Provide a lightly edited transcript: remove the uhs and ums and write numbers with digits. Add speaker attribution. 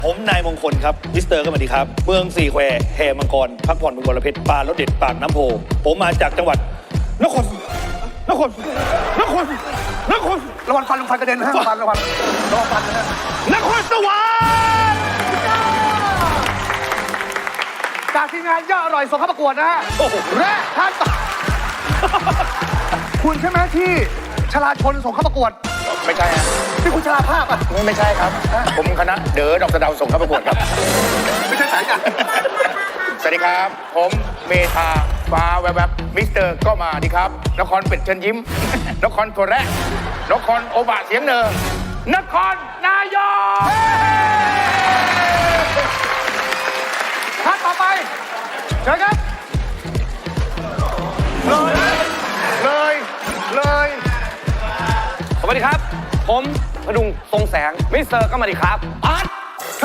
Speaker 1: ผมนายมงคลครับมิสเตอร์ก็มาดีครับเมืองสี่แควแห่มังกรพักผ่อนบนบรเพชรปลารสเด็ดปากน้ำโพผมมาจากจังหวัดนครระวังฟันกระเด็นนะระวังฟันนะฮะนครสวรรค์จากทีมงานย่ออร่อยส่งเข้าประกวดนะฮะและท่านคุณใช่ไหมที่ชลาชนส่งเข้าประกวดไม่ใช่ฮะที่คุณชลาภาพอ่ะไม่ใช่ครับผมคณะเด๋อดอกสะเดาส่งเข้าประกวดครับไม่ใช่สายกันสวัสดีครับผมเมธาฟ้าแวบมิสเตอร์ก็มาดีครับนครเป็ดเชิญยิ้มนครโทแระนครโอบะเสียงเนินนครนายกท่านต่อไปเชิญครับเลย
Speaker 2: สวัสดีครับผมพดุงทรงแสงมิสเตอร์ก็มาดีครับอาร์ต